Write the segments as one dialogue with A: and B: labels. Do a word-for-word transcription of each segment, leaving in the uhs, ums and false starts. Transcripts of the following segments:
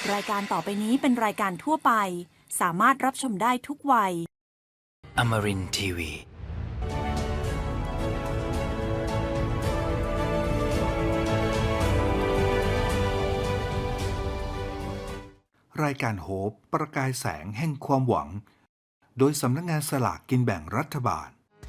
A: รายการต่อไปนี้เป็นรายการทั่วไปสามารถรับชมได้ทุกวัย
B: Amarin ที วี
C: รายการโฮปประกายแสงแห่งความหวังโดยสำนักงานสลากกินแบ่งรัฐบาล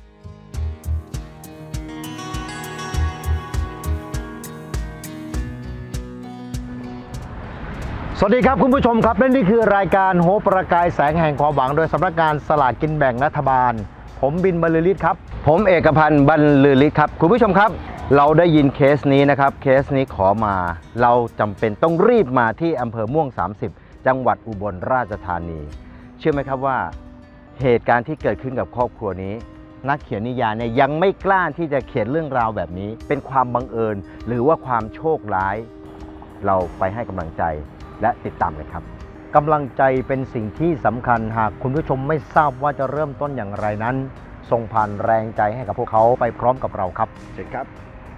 D: สวัสดีครับคุณผู้ชมครับและนี่คือรายการโฮปประกายแสงแห่งความหวังโดยสำนักงานสลากกินแบ่งรัฐบาลผมบินบรรลือฤทธิ์ครับผมเอกพันธ์บรรลือฤทธิ์ครับคุณผู้ชมครับเราได้ยินเคสนี้นะครับเคสนี้ขอมาเราจำเป็นต้องรีบมาที่อำเภอม่วงสามสิบจังหวัดอุบลราชธานีเชื่อไหมครับว่าเหตุการณ์ที่เกิดขึ้นกับครอบครัวนี้นักเขียนนิยายเนี่ยยังไม่กล้าที่จะเขียนเรื่องราวแบบนี้เป็นความบังเอิญหรือว่าความโชคร้ายเราไปให้กำลังใจและติดตามเลยครับกำลังใจเป็นสิ่งที่สำคัญหากคุณผู้ชมไม่ทราบว่าจะเริ่มต้นอย่างไรนั้นส่งผ่านแรงใจให้กับพวกเขาไปพร้อมกับเราครับเชิญครับ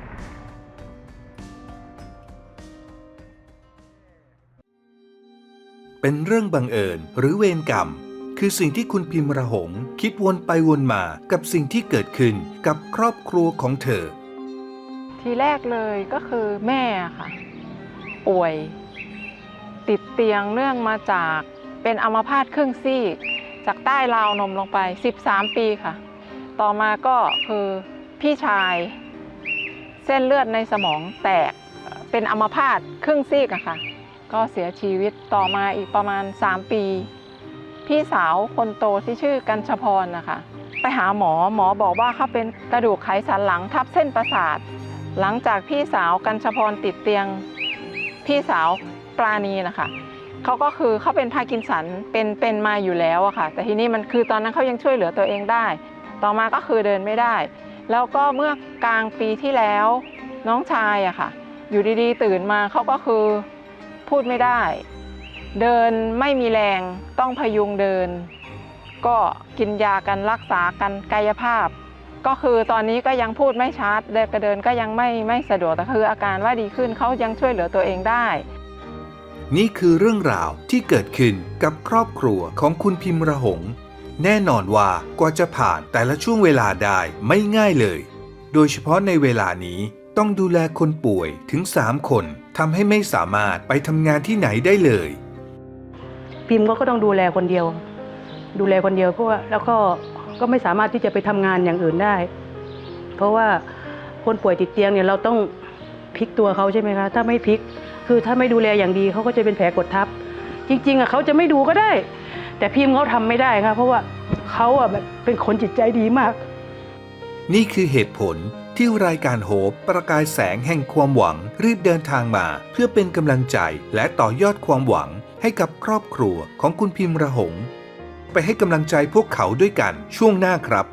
C: เป็นเรื่องบังเอิญหรือเวรกรรมคือสิ่งที่คุณพิมระหงคิดวนไปวนมากับสิ่งที่เกิดขึ้นกับครอบครัวของเธอ
E: ทีแรกเลยก็คือแม่ค่ะป่วยติดเตียงเนื่องมาจากเป็นอัมพาตครึ่งซีกจากใต้ราวนมลงไปสิบสามปีค่ะต่อมาก็คือพี่ชายเส้นเลือดในสมองแตกเป็นอัมพาตครึ่งซีกอะค่ะก็เสียชีวิตต่อมาอีกประมาณสามปีพี่สาวคนโตที่ชื่อกัญชพรนะคะไปหาหมอหมอบอกว่าเขาเป็นกระดูกไขสันหลังทับเส้นประสาทหลังจากพี่สาวกัญชพรติดเตียงพี่สาวปราณีนะคะเขาก็คือเขาเป็นพาร์กินสันเป็นเป็นมาอยู่แล้วอะค่ะแต่ทีนี้มันคือตอนนั้นเขายังช่วยเหลือตัวเองได้ต่อมาก็คือเดินไม่ได้แล้วก็เมื่อกลางปีที่แล้วน้องชายอะค่ะอยู่ดีๆตื่นมาเขาก็คือพูดไม่ได้เดินไม่มีแรงต้องพยุงเดินก็กินยากันรักษากันกายภาพก็คือตอนนี้ก็ยังพูดไม่ชัดเดินกระเดินก็ยังไม่ไม่สะดวกแต่คืออาการว่าดีขึ้นเขายังช่วยเหลือตัวเองได้
C: นี่คือเรื่องราวที่เกิดขึ้นกับครอบครัวของคุณพิมระหงแน่นอนว่ากว่าจะผ่านแต่ละช่วงเวลาได้ไม่ง่ายเลยโดยเฉพาะในเวลานี้ต้องดูแลคนป่วยถึงสามคนทำให้ไม่สามารถไปทำงานที่ไหนได้เลย
F: พิมก็ก็ต้องดูแลคนเดียวดูแลคนเดียวเพราะว่าแล้วก็ก็ไม่สามารถที่จะไปทำงานอย่างอื่นได้เพราะว่าคนป่วยติดเตียงเนี่ยเราต้องพลิกตัวเขาใช่ไหมคะถ้าไม่พลิกคือถ้าไม่ดูแลอย่างดีเขาก็จะเป็นแผลกดทับจริงๆอ่ะเขาจะไม่ดูก็ได้แต่พิมเขาทำไม่ได้ค่ะเพราะว่าเขาอ่ะแบบเป็นคนจิตใจดีมาก
C: นี่คือเหตุผลที่รายการโฮปประกายแสงแห่งความหวังรีบเดินทางมาเพื่อเป็นกำลังใจและต่อยอดความหวังให้กับครอบครัวของคุณพิมระหงไปให้กำลังใจพวกเขาด้วยกันช่วงหน้าครับ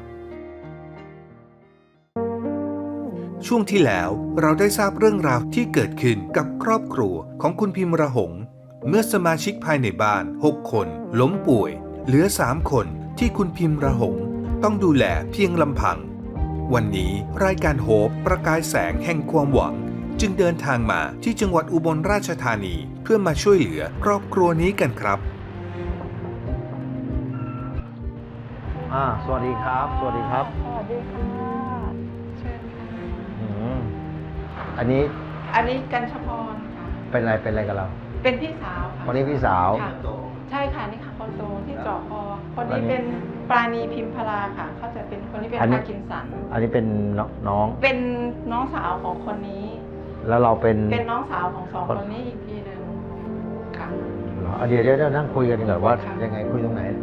C: ช่วงที่แล้วเราได้ทราบเรื่องราวที่เกิดขึ้นกับครอบครัวของคุณพิมระหงเมื่อสมาชิกภายในบ้านหกคนล้มป่วยเหลือสามคนที่คุณพิมระหงต้องดูแลเพียงลำพังวันนี้รายการโฮปประกายแสงแห่งความหวังจึงเดินทางมาที่จังหวัดอุบลราชธานีเพื่อมาช่วยเหลือครอบครัวนี้กันครับ
D: อ่าสวัสดีครับสวัสดีครับ
E: สวัสดีค่ะเชิญค่ะ
D: อืมอันนี้
E: อันนี้กัญชพร
D: เป็นอะไรเป็นอะไรกับเรา
E: เป็นพี่สาวค่ะ
D: คนนี้พี่สาว
E: ใช่ค่ะนี่ค่ะคนโตที่เจาะคอคนนี้เป็นปราณีพิมพลาค่ะเขาจะเป็นคนที่เป็นพาร์กินสัน
D: อันนี้เป็นน้อง
E: เป็นน้องสาวของคนนี้
D: แล้วเราเป็น
E: เป็นน้องสาวของสองคนนี้อีกทีหนึ่งค่ะ
D: เดี๋ยวเดี๋ยวนั่งคุยกันก่อนว่ายังไงคุยตรงไหน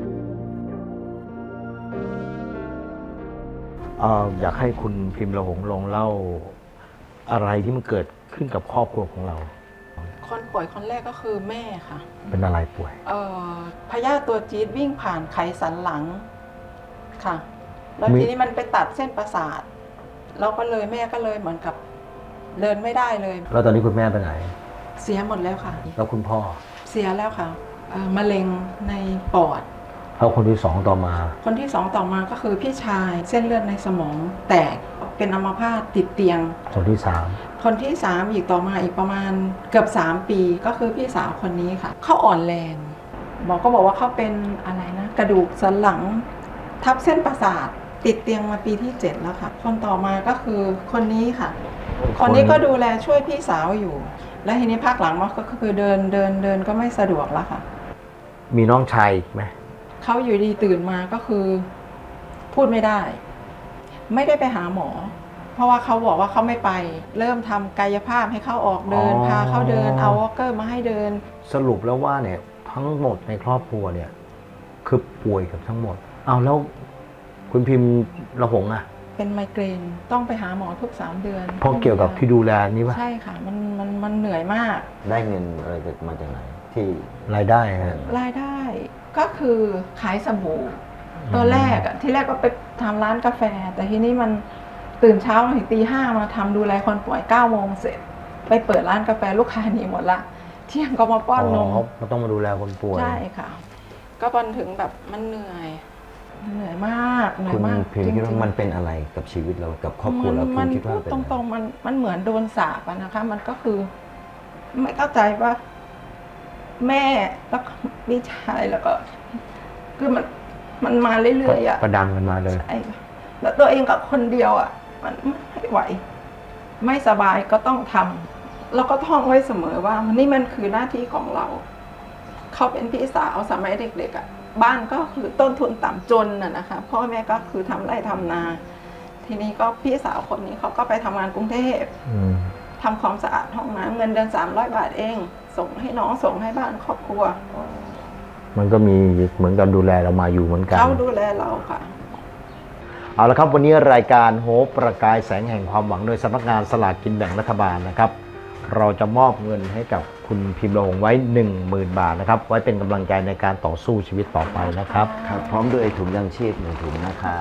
D: เอ่ออยากให้คุณพิมระหงลองเล่าอะไรที่มันเกิดขึ้นกับครอบครัวของเรา
E: คนป่วยคนแรกก็คือแม่ค่ะ
D: เป็นอะไรป่วย
E: เอ่อพยาธิตัวจี๊ดวิ่งผ่านไขสันหลังค่ะแล้วทีนี้มันไปตัดเส้นประสาทเราก็เลยแม่ก็เลยเหมือนกับเดินไม่ได้เลย
D: แล้วตอนนี้คุณแม่ไปไหน
E: เสียหมดแล้วค่ะ
D: แล้วคุณพ่อ
E: เสียแล้วค่ะมะเร็งในปอด
D: แล้วคนที่สองต่อมา
E: คนที่สองต่อมาก็คือพี่ชายเส้นเลือดในสมองแตกเป็นอัมพาตติดเตียง
D: คนที่สาม
E: คนที่สามอีกต่อมาอีกประมาณเกือบสามปีก็คือพี่สาวคนนี้ค่ะเขาอ่อนแรงหมอก็บอกว่าเขาเป็นอะไรนะกระดูกสันหลังทับเส้นประสาทติดเตียงมาปีที่เจ็ดแล้วค่ะคนต่อมาก็คือคนนี้ค่ะ คนนี้ก็ดูแลช่วยพี่สาวอยู่ และทีนี้ภาคหลังมาก็คือเดินเดินเดินก็ไม่สะดวกแล้วค่ะ
D: มีน้องชายไหม
E: เขาอยู่ดีตื่นมาก็คือพูดไม่ได้ ไม่ได้ไปหาหมอ เพราะว่าเขาบอกว่าเขาไม่ไป เริ่มทำกายภาพให้เขาออกเดิน พาเขาเดินเอาวอล์กเกอร์มาให้เดิน
D: สรุปแล้วว่าเนี่ยทั้งหมดในครอบครัวเนี่ยคือป่วยกับทั้งหมดเอาแล้วคุณพิมพ์ระหงอะ
E: เป็นไมเกรนต้องไปหาหมอทุกสามเดือน
D: เพราะเกี่ยวกับที่ดูแลนี่ป่ะ
E: ใช่ค่ะมันมันมันเหนื่อยมาก
G: ได้เงินอะไรมาจากไหนที่
D: รายได้ฮะ
E: รายได้ก็คือขายสบู่ตอนแรกอะที่แรกก็ไปทำร้านกาแฟ แต่ทีนี้มันตื่นเช้าถึงตีห้ามาทำดูแลคนป่วยเก้าโมงเสร็จ ไปเปิดร้านกาแฟลูกค้าหนีหมดละเที่ยงก็มาป้อนนม
D: อ๋อเขาต้องมาดูแลคนป่วย
E: ใช่ค่ะ ก็บอลถึงแบบมันเหนื่อยเหนื่อยมากเหนื่อ
G: คุ
E: ย
G: ณ
E: มาก
G: พิมพ์คิดว่า
E: จริงๆ
G: มันเป็นอะไรกับชีวิตเรากับครอบครัวเรา
E: มั
G: คุณคิดว่า
E: พูด
G: เป็น
E: ต
G: อะไร
E: รงๆมันมันเหมือนโดนสาปอะนะคะ มันก็คือ ไม่เข้าใจว่า แม่แล้วก็พี่ชายแล้วก็ คือมันมันมาเรื่อยๆอะ
D: ประดังกันมาเลย
E: ใช่ค่ะแล้วตัวเองกับคนเดียวอะมันไม่ไหว ไม่สบายก็ต้องทำแล้วก็ท่องไว้เสมอว่านี่มันคือหน้าที่ของเรา เขาเป็นพี่สาวสมัยเด็กๆอะบ้านก็คือต้นทุนต่ำจนน่ะนะคะพ่อแม่ก็คือทำไร่ทำนา ทีนี้ก็พี่สาวคนนี้เขาก็ไปทำงานกรุงเทพ
D: อืม
E: ทำความสะอาดห้องน้ำเงินเดือนสามร้อยบาทเอง ส่งให้น้องส่งให้บ้านครอบครัว
D: มันก็มีเหมือนกันดูแลเรามาอยู่เหมือนกัน
E: เขาดูแลเราค่ะ
D: เอาละครับวันนี้รายการโฮปประกายแสงแห่งความหวังโดยสำนักงานสลากกินแบ่งรัฐบาลนะครับ เราจะมอบเงินให้กับคุณพิมพ์ระหงไว้ หนึ่งหมื่น บาทนะครับไว้เป็นกำลังใจในการต่อสู้ชีวิตต่อไปนะครับ
G: ครับพร้อมด้วยถุงยังชีพหนึ่งถุงนะครับ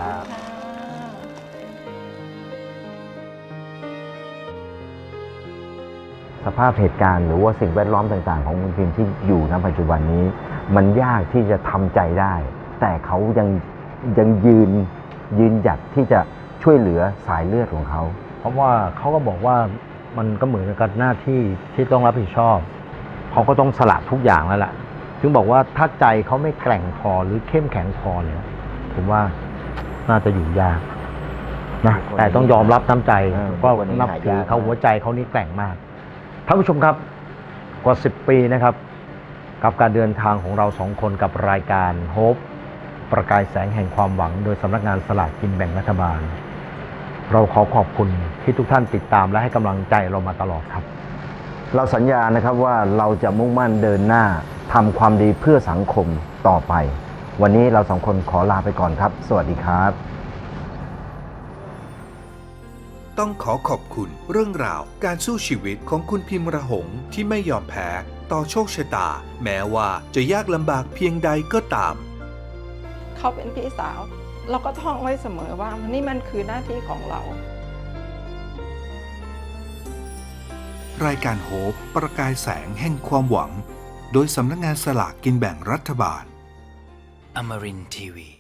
D: สภาพเหตุการณ์หรือว่าสิ่งแวดล้อมต่างๆ ของคุณพิมพ์ที่อยู่ณปัจจุบันนี้ มันยากที่จะทำใจได้ แต่เขายังยังยืนยืนหยัดที่จะช่วยเหลือสายเลือดของเขา เพราะว่าเขาก็บอกว่ามันก็เหมือนกับหน้าที่ที่ต้องรับผิดชอบเขาก็ต้องสละทุกอย่างแล้วล่ะถึงบอกว่าถ้าใจเขาไม่แกร่งพอหรือเข้มแข็งพอเนี่ยผมว่าน่าจะอยู่ยากนะแต่ต้องยอมรับน้ำใจว่านับถือเขาหัวใจเขานี่แกร่งมากท่านผู้ชมครับกว่าสิบปีนะครับกับการเดินทางของเราสองคนกับรายการโฮปประกายแสงแห่งความหวังโดยสำนักงานสลากกินแบ่งรัฐบาลเราขอขอบคุณที่ทุกท่านติดตามและให้กำลังใจเรามาตลอดครับเราสัญญานะครับว่าเราจะมุ่งมั่นเดินหน้าทำความดีเพื่อสังคมต่อไปวันนี้เราสองคนขอลาไปก่อนครับสวัสดีครับ
C: ต้องขอขอบคุณเรื่องราวการสู้ชีวิตของคุณพิมพ์ระหงที่ไม่ยอมแพ้ต่อโชคชะตา แม้ว่าจะยากลำบากเพียงใดก็ตาม
E: เขาเป็นพี่สาว เราก็ท่องไว้เสมอว่านี่มันคือหน้าที่ของเรา
C: รายการโฮปประกายแสงแห่งความหวัง โดยสำนักงานสลากกินแบ่งรัฐบาล
B: Amarin Tiwi